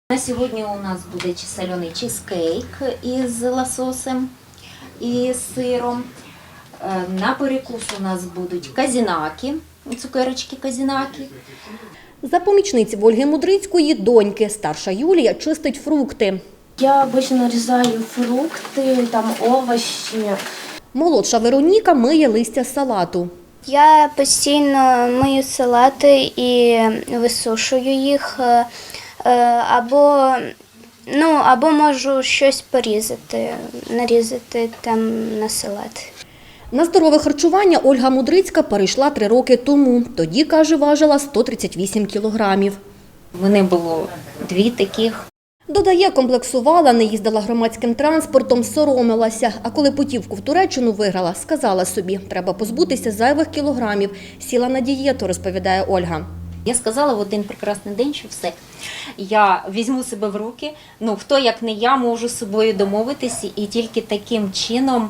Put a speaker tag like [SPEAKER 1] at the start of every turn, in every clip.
[SPEAKER 1] На сьогодні у нас буде соляний чизкейк із лососем і сиром. На перекус у нас будуть казінаки, цукерочки казінаки.
[SPEAKER 2] За помічниці Ольги Мудрицької доньки старша Юлія чистить фрукти.
[SPEAKER 3] Я обычно нарізаю фрукти, овочі.
[SPEAKER 2] Молодша Вероніка миє листя салату.
[SPEAKER 4] Я постійно мию салати і висушую їх, або можу щось порізати, нарізати на салат.
[SPEAKER 2] На здорове харчування Ольга Мудрицька перейшла 3 роки тому. Тоді, каже, важила 138 кілограмів.
[SPEAKER 1] Вони було 2 таких.
[SPEAKER 2] Додає, комплексувала, не їздила громадським транспортом, соромилася. А коли путівку в Туреччину виграла, сказала собі, треба позбутися зайвих кілограмів. Сіла на дієту, розповідає Ольга.
[SPEAKER 1] Я сказала в один прекрасний день, що все, я візьму себе в руки, хто як не я можу з собою домовитися, і тільки таким чином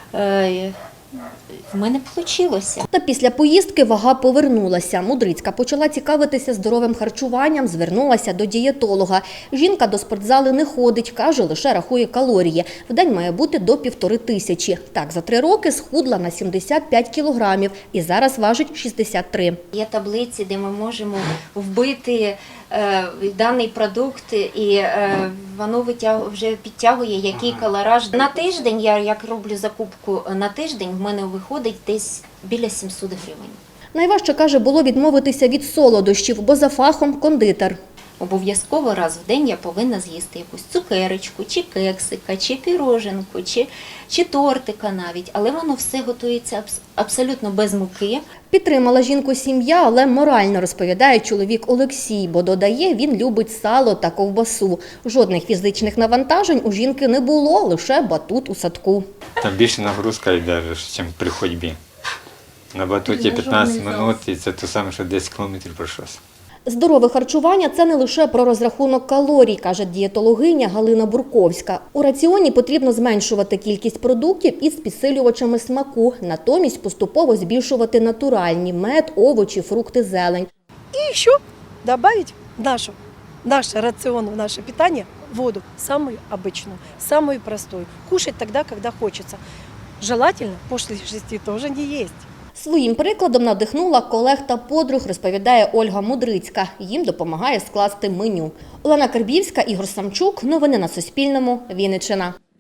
[SPEAKER 1] в мене вийшло.
[SPEAKER 2] Та після поїздки вага повернулася. Мудрицька почала цікавитися здоровим харчуванням, звернулася до дієтолога. Жінка до спортзали не ходить, каже, лише рахує калорії. В день має бути до 1500. Так, за 3 роки схудла на 75 кілограмів і зараз важить 63.
[SPEAKER 1] Є таблиці, де ми можемо вбити даний продукт, і воно вже підтягує, який калораж. На тиждень, я як роблю закупку на тиждень, в мене виходить десь біля 700 гривень.
[SPEAKER 2] Найважче, каже, було відмовитися від солодощів, бо за фахом кондитер.
[SPEAKER 1] Обов'язково раз в день я повинна з'їсти якусь цукерочку, чи кексика, чи піроженку, чи тортика навіть. Але воно все готується абсолютно без муки.
[SPEAKER 2] Підтримала жінку сім'я, але морально, розповідає чоловік Олексій, бо додає, він любить сало та ковбасу. Жодних фізичних навантажень у жінки не було, лише батут у садку.
[SPEAKER 5] Там більше нагрузка йде, ніж при ходьбі. На батуті 15 минут і це те саме, що 10 кілометрів пройшовся.
[SPEAKER 2] Здорове харчування – це не лише про розрахунок калорій, каже дієтологиня Галина Бурковська. У раціоні потрібно зменшувати кількість продуктів із підсилювачами смаку, натомість поступово збільшувати натуральні – мед, овочі, фрукти, зелень.
[SPEAKER 6] И еще добавить наш рацион, в наше питание воду, самую обычную, самую простую. Кушать тогда, когда хочется. Желательно после 6 тоже не есть.
[SPEAKER 2] Своїм прикладом надихнула колег та подруг, розповідає Ольга Мудрицька. Їм допомагає скласти меню. Олена Карбівська, Ігор Самчук. Новини на Суспільному. Вінниччина.